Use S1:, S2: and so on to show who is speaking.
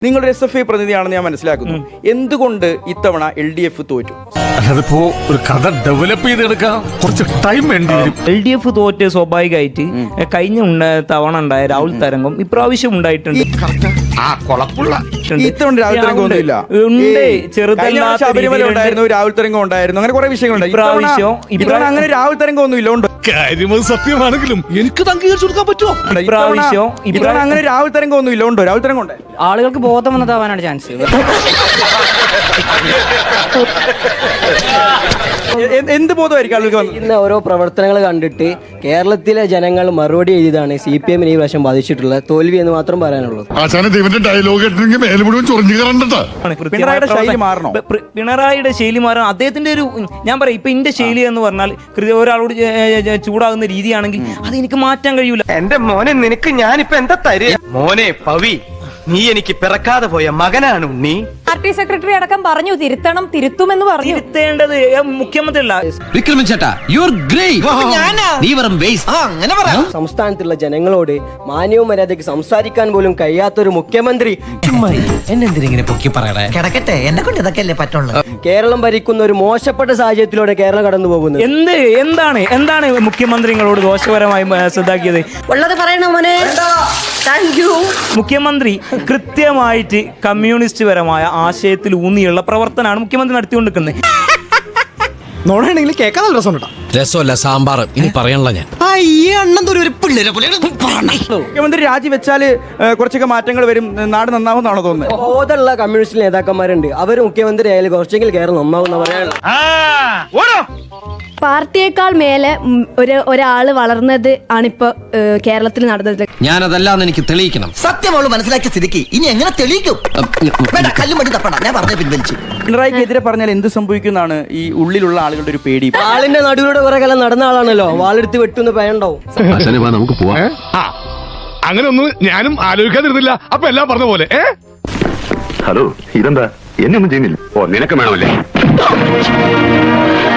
S1: നിങ്ങളൊരു SFI പ്രതിനിധിയാണെന്ന് ഞാൻ മനസ്സിലാക്കുന്നു. എന്തുകൊണ്ട് ഇത്തവണ LDF തോറ്റു?
S2: അതിപ്പോ ഒരു കഥ ഡെവലപ്പ് ചെയ്തെടുക്കാൻ കുറച്ച് ടൈം വേണ്ടി വരും.
S3: LDF തോറ്റ് സ്വാഭാവികമായിട്ട് കഴിഞ്ഞ തവണ ഉണ്ടായ രാഹുൽ തരംഗം ഇപ്രാവശ്യം ഉണ്ടായിട്ടുണ്ട്.
S1: ഇത്തവണ രാഹുൽ തരംഗം ഒന്നുമില്ല. ശബരിമല ഉണ്ടായിരുന്നു, രാഹുൽ തരംഗം ഉണ്ടായിരുന്നു, അങ്ങനെ കുറെ വിഷയങ്ങളുണ്ട്. ഇത്തവണ അങ്ങനെ രാഹുൽ തരംഗം ഒന്നുമില്ല. ഉണ്ട്
S2: കാര്യം സത്യമാണെങ്കിലും എനിക്ക് അംഗീകരിച്ചു കൊടുക്കാൻ പറ്റുമോ?
S1: ഇത്തവണ അങ്ങനെ രാഹുൽ തരംഗം ഒന്നുമില്ല. ഉണ്ടോ രാഹുൽ തരംഗം? ഉണ്ട്.
S4: ആളുകൾക്ക് ബോധം വന്നതാവാനാണ് ചാൻസ്.
S1: എന്ത് ബോധമായിരിക്കും ആളുകൾക്ക്?
S5: ഇന്ന് ഓരോ പ്രവർത്തനങ്ങൾ കണ്ടിട്ട് കേരളത്തിലെ ജനങ്ങൾ മറുപടി എഴുതാണ് CPM ഈ വർഷം ബാധിച്ചിട്ടുള്ള തോൽവി എന്ന് മാത്രം പറയാനുള്ളൂ.
S3: പിണറായിയുടെ ശൈലി മാറണം. അദ്ദേഹത്തിന്റെ ഒരു ഞാൻ പറയാം, ഇപ്പൊ എന്റെ ശൈലി എന്ന് പറഞ്ഞാൽ ഒരാളോട് ചൂടാകുന്ന രീതിയാണെങ്കിൽ അത് എനിക്ക് മാറ്റാൻ കഴിയൂല.
S6: എന്റെ മോനെ, നിനക്ക് ഞാനിപ്പോ എന്താ തരിക? മോനെ പവി, നീ എനിക്ക് പിറക്കാതെ പോയ മകനാണ് ഉണ്ണി.
S7: പാർട്ടി സെക്രട്ടറി അടക്കം പറഞ്ഞു തിരുത്തുമെന്ന് പറഞ്ഞു.
S3: തിരുത്തേണ്ടത് മുഖ്യമന്ത്രി അല്ല.
S5: സംസ്ഥാനത്തുള്ള ജനങ്ങളോട് മാന്യവും മര്യാദയ്ക്ക് സംസാരിക്കാൻ പോലും കഴിയാത്തൊരു മുഖ്യമന്ത്രി
S8: എന്നെന്തിനെ പൊക്കി പറയണേ? കിടക്കട്ടെ, എന്നെ കൊണ്ട് ഇതൊക്കെ അല്ലേ പറ്റുള്ളൂ.
S5: കേരളം ഭരിക്കുന്ന ഒരു മോശപ്പെട്ട സാഹചര്യത്തിലൂടെ കേരളം കടന്നു പോകുന്നത്.
S3: എന്താണ് മുഖ്യമന്ത്രിങ്ങളോട് ദോഷപരമായി ശ്രദ്ധാക്കിയത്?
S7: ഉള്ളത് പറയണോ മോനെ?
S3: മുഖ്യമന്ത്രി കൃത്യമായിട്ട് കമ്മ്യൂണിസ്റ്റ് പരമായ ആശയത്തിൽ ഊന്നിയുള്ള പ്രവർത്തനമാണ് മുഖ്യമന്ത്രി നടത്തിക്കൊണ്ടിരിക്കുന്നത്.
S9: നോടാണെങ്കിൽ കേൾക്കാൻ നല്ല രസം.
S8: രസമല്ല, സാമ്പാർ. ഇനി പറയാനുള്ള ഞാൻ
S1: മുഖ്യമന്ത്രി രാജിവെച്ചാല് കുറച്ചൊക്കെ മാറ്റങ്ങൾ വരും, നാട് നന്നാവുന്നാണോ തോന്നുന്നത്?
S5: ബോധമുള്ള കമ്മ്യൂണിസ്റ്റ് നേതാക്കന്മാരുണ്ട്, അവർ മുഖ്യമന്ത്രി ആയാലും കുറച്ചെങ്കിൽ കേരളം നന്നാവുന്ന പറയാനുള്ള.
S7: പാർട്ടിയേക്കാൾ മേലെ ഒരാള് വളർന്നത് ആണിപ്പോ കേരളത്തിൽ നടന്നത്.
S8: ഞാനതല്ലാന്ന് എനിക്ക് തെളിയിക്കണം. സത്യം അവള് മനസ്സിലാക്കിയ സ്ഥിതിക്ക് ഇനി എങ്ങനെ തെളിയിക്കും? കല്ലും മടി തപ്പണം. ഞാൻ പറഞ്ഞ പിൻവലിച്ചു.
S1: പിണറായിക്കെതിരെ പറഞ്ഞാൽ എന്ത് സംഭവിക്കുന്നതാണ് ഈ ഉള്ളിലുള്ള ആളുകളുടെ ഒരു പേടി?
S5: ആളിന്റെ നടുവിലൂടെ കുറെ കാലം നടന്ന ആളാണല്ലോ, വാളെടുത്ത് വെട്ടുന്ന ഭയണ്ടാവും.
S2: നമുക്ക് പോവാം. അങ്ങനെ ഒന്നും ഞാനും ആലോചിക്കാതിരുന്നില്ല. അപ്പൊ എല്ലാം പറഞ്ഞ പോലെ.
S10: ഹലോ, ഇതെന്താ? എന്നെ ഒന്നും ചെയ്യുന്നില്ല. ഓ, നിനക്ക് വേണമല്ലേ?